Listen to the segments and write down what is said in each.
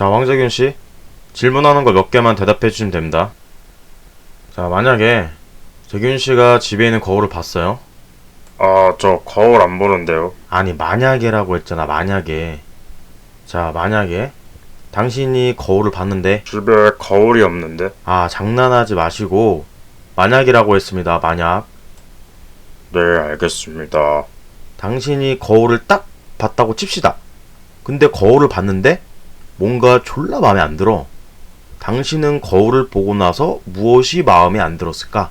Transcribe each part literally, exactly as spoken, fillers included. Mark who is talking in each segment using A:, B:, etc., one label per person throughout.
A: 자, 황재균 씨, 질문하는 거 몇 개만 대답해 주시면 됩니다. 자, 만약에 재균 씨가 집에 있는 거울을 봤어요?
B: 아, 저 거울 안 보는데요.
A: 아니, 만약에라고 했잖아, 만약에. 자, 만약에 당신이 거울을 봤는데,
B: 집에 거울이 없는데?
A: 아, 장난하지 마시고 만약이라고 했습니다. 만약
B: 네, 알겠습니다.
A: 당신이 거울을 딱 봤다고 칩시다. 근데 거울을 봤는데 뭔가 졸라 마음에 안 들어. 당신은 거울을 보고 나서 무엇이 마음에 안 들었을까?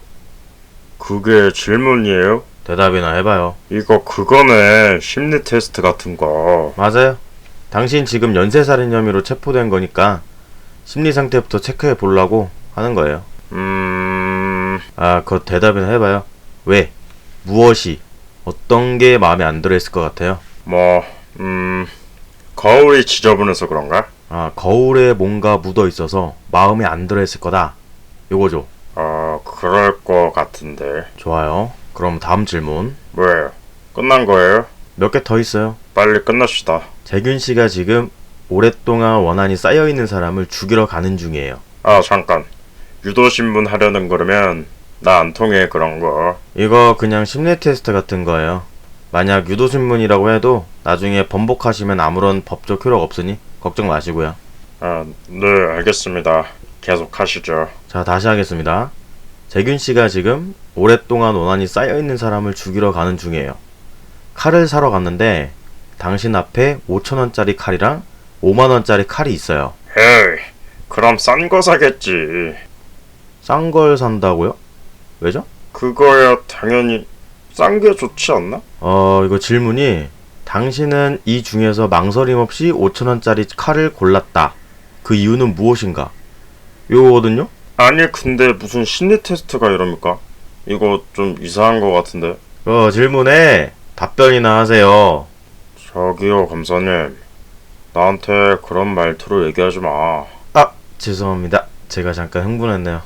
B: 그게 질문이에요?
A: 대답이나 해봐요.
B: 이거 그거네. 심리 테스트 같은 거.
A: 맞아요. 당신 지금 연쇄살인 혐의로 체포된 거니까 심리 상태부터 체크해 보려고 하는 거예요.
B: 음...
A: 아, 그거 대답이나 해봐요. 왜? 무엇이? 어떤 게 마음에 안 들어 했을 것 같아요?
B: 뭐... 음... 거울이 지저분해서 그런가?
A: 아, 거울에 뭔가 묻어 있어서 마음에 안 들어 했을 거다. 요거죠.
B: 아, 그럴 거 같은데.
A: 좋아요. 그럼 다음 질문.
B: 뭐예요? 끝난 거예요?
A: 몇 개 더 있어요.
B: 빨리 끝납시다.
A: 재균 씨가 지금 오랫동안 원한이 쌓여 있는 사람을 죽이러 가는 중이에요.
B: 아, 잠깐. 유도신문 하려는 거라면 나 안 통해, 그런 거.
A: 이거 그냥 심리 테스트 같은 거예요. 만약 유도신문이라고 해도 나중에 번복하시면 아무런 법적 효력 없으니 걱정 마시고요.
B: 아, 네, 알겠습니다. 계속 하시죠.
A: 자, 다시 하겠습니다. 재균 씨가 지금 오랫동안 원한이 쌓여 있는 사람을 죽이러 가는 중이에요. 칼을 사러 갔는데 당신 앞에 오천 원짜리 칼이랑 오만 원짜리 칼이 있어요.
B: 헤이, 그럼 싼 거 사겠지.
A: 싼 걸 산다고요? 왜죠?
B: 그거야 당연히 싼 게 좋지 않나?
A: 어, 이거 질문이 당신은 이 중에서 망설임 없이 오천 원짜리 칼을 골랐다. 그 이유는 무엇인가? 요거거든요?
B: 아니, 근데 무슨 심리 테스트가 이럽니까? 이거 좀 이상한 거 같은데.
A: 어, 질문에 답변이나 하세요.
B: 저기요, 검사님. 나한테 그런 말투로 얘기하지 마.
A: 아, 죄송합니다. 제가 잠깐 흥분했네요.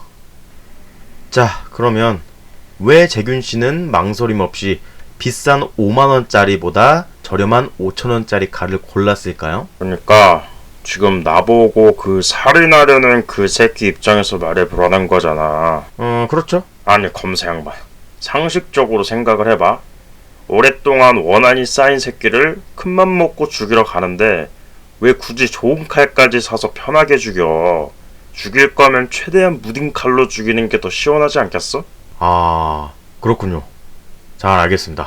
A: 자, 그러면 왜 재균 씨는 망설임 없이 비싼 오만 원짜리보다 저렴한 오천 원짜리 칼을 골랐을까요?
B: 그러니까 지금 나보고 그 살인하려는 그 새끼 입장에서 말해보라는 거잖아.
A: 어, 그렇죠.
B: 아니, 검사 양반. 상식적으로 생각을 해봐. 오랫동안 원한이 쌓인 새끼를 큰맘 먹고 죽이러 가는데 왜 굳이 좋은 칼까지 사서 편하게 죽여? 죽일 거면 최대한 무딘 칼로 죽이는 게 더 시원하지 않겠어?
A: 아, 그렇군요. 잘 알겠습니다.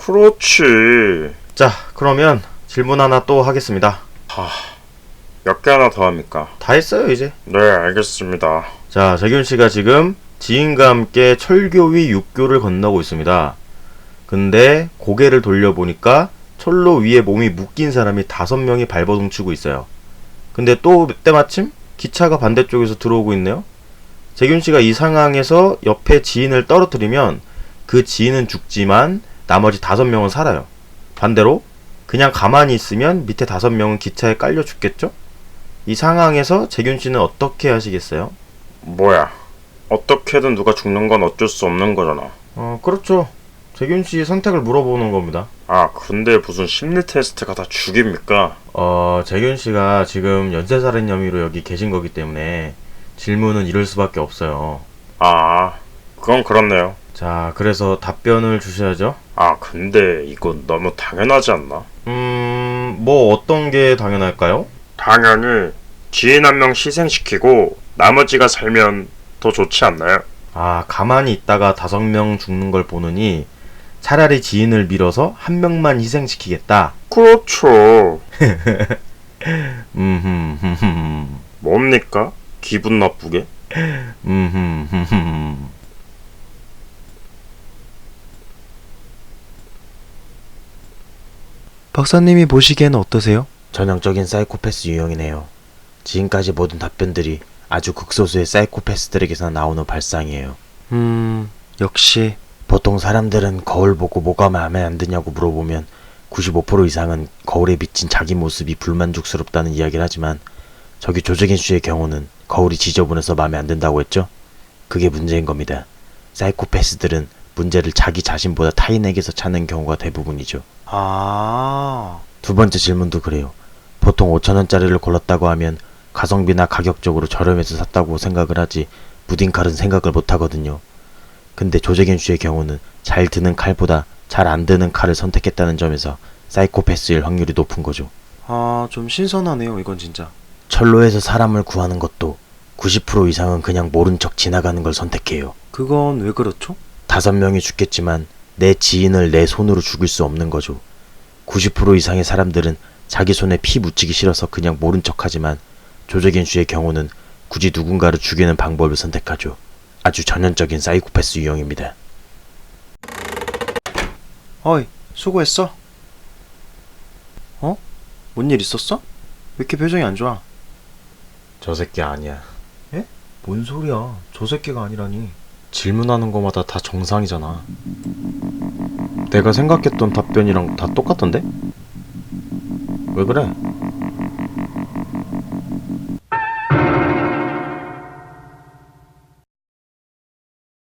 B: 그렇지.
A: 자, 그러면 질문 하나 또 하겠습니다.
B: 하... 몇 개 하나 더 합니까?
A: 다 했어요, 이제.
B: 네, 알겠습니다.
A: 자, 재균 씨가 지금 지인과 함께 철교 위 육교를 건너고 있습니다. 근데 고개를 돌려보니까 철로 위에 몸이 묶인 사람이 다섯 명이 발버둥 치고 있어요. 근데 또 때마침 기차가 반대쪽에서 들어오고 있네요. 재균 씨가 이 상황에서 옆에 지인을 떨어뜨리면 그 지인은 죽지만 나머지 다섯 명은 살아요. 반대로 그냥 가만히 있으면 밑에 다섯 명은 기차에 깔려 죽겠죠? 이 상황에서 재균 씨는 어떻게 하시겠어요?
B: 뭐야? 어떻게든 누가 죽는 건 어쩔 수 없는 거잖아.
A: 어, 그렇죠. 재균 씨 선택을 물어보는 겁니다.
B: 아, 근데 무슨 심리 테스트가 다 죽입니까?
A: 어, 재균 씨가 지금 연쇄살인 혐의로 여기 계신 거기 때문에 질문은 이럴 수밖에 없어요.
B: 아, 그건 그렇네요.
A: 자, 그래서 답변을 주셔야죠.
B: 아, 근데 이건 너무 당연하지 않나?
A: 음, 뭐 어떤 게 당연할까요?
B: 당연히 지인 한 명 희생시키고 나머지가 살면 더 좋지 않나요?
A: 아, 가만히 있다가 다섯 명 죽는 걸 보느니 차라리 지인을 밀어서 한 명만 희생시키겠다.
B: 그렇죠.
A: 음흠,
B: 뭡니까? 기분 나쁘게?
A: 음흠.
C: 박사님이 보시기에는 어떠세요?
A: 전형적인 사이코패스 유형이네요. 지금까지 모든 답변들이 아주 극소수의 사이코패스들에게서 나오는 발상이에요.
C: 음... 역시...
A: 보통 사람들은 거울 보고 뭐가 마음에 안 드냐고 물어보면 구십오 퍼센트 이상은 거울에 비친 자기 모습이 불만족스럽다는 이야기를 하지만 저기 조재균 씨의 경우는 거울이 지저분해서 마음에 안 든다고 했죠? 그게 문제인 겁니다. 사이코패스들은 문제를 자기 자신보다 타인에게서 찾는 경우가 대부분이죠.
C: 아...
A: 두 번째 질문도 그래요. 보통 오천 원짜리를 골랐다고 하면 가성비나 가격적으로 저렴해서 샀다고 생각을 하지 무딘칼은 생각을 못하거든요. 근데 조재균 씨의 경우는 잘 드는 칼보다 잘 안 드는 칼을 선택했다는 점에서 사이코패스일 확률이 높은 거죠.
C: 아, 좀 신선하네요, 이건 진짜.
A: 철로에서 사람을 구하는 것도 구십 퍼센트 이상은 그냥 모른 척 지나가는 걸 선택해요.
C: 그건 왜 그렇죠?
A: 다섯 명이 죽겠지만 내 지인을 내 손으로 죽일 수 없는 거죠. 구십 퍼센트 이상의 사람들은 자기 손에 피 묻히기 싫어서 그냥 모른 척하지만 조재균 씨의 경우는 굳이 누군가를 죽이는 방법을 선택하죠. 아주 전형적인 사이코패스 유형입니다.
C: 어이, 수고했어. 어? 뭔 일 있었어? 왜 이렇게 표정이 안 좋아?
A: 저 새끼 아니야.
C: 예? 뭔 소리야? 저 새끼가 아니라니.
A: 질문하는 거마다 다 정상이잖아. 내가 생각했던 답변이랑 다 똑같던데? 왜 그래?